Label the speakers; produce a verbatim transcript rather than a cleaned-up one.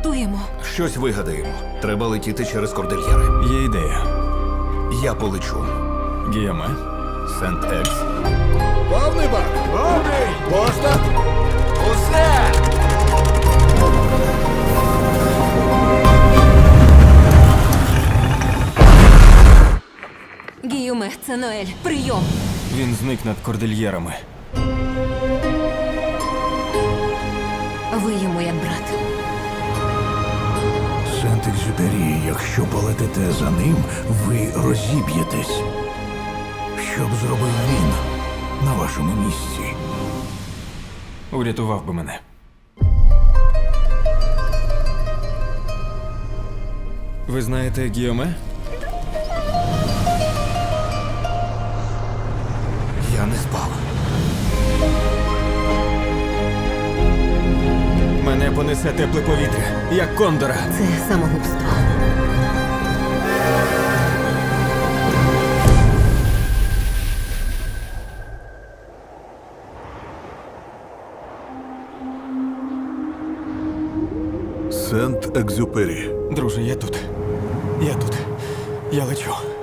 Speaker 1: врятуємо?
Speaker 2: Щось вигадаємо. Треба летіти через кордильєри.
Speaker 3: Є ідея.
Speaker 2: Я полечу.
Speaker 3: Гіоме.
Speaker 2: Сент-Екс.
Speaker 4: Повний бак! Повний! Пошта!
Speaker 2: Усе!
Speaker 1: Гіюме, це Ноель. Прийом.
Speaker 3: Він зник над кордильєрами.
Speaker 1: Ви йому як брат.
Speaker 4: Сент-Екзюпері, якщо полетите за ним, ви розіб'єтесь. Що б зробив він на вашому місці?
Speaker 3: Урятував би мене. Ви знаєте Гіоме?
Speaker 2: Я не спав.
Speaker 3: Мене понесе тепле повітря, як кондора.
Speaker 1: Це самогубство.
Speaker 4: Сент-Екзюпері.
Speaker 3: Друже, я тут. Я тут. Я лечу.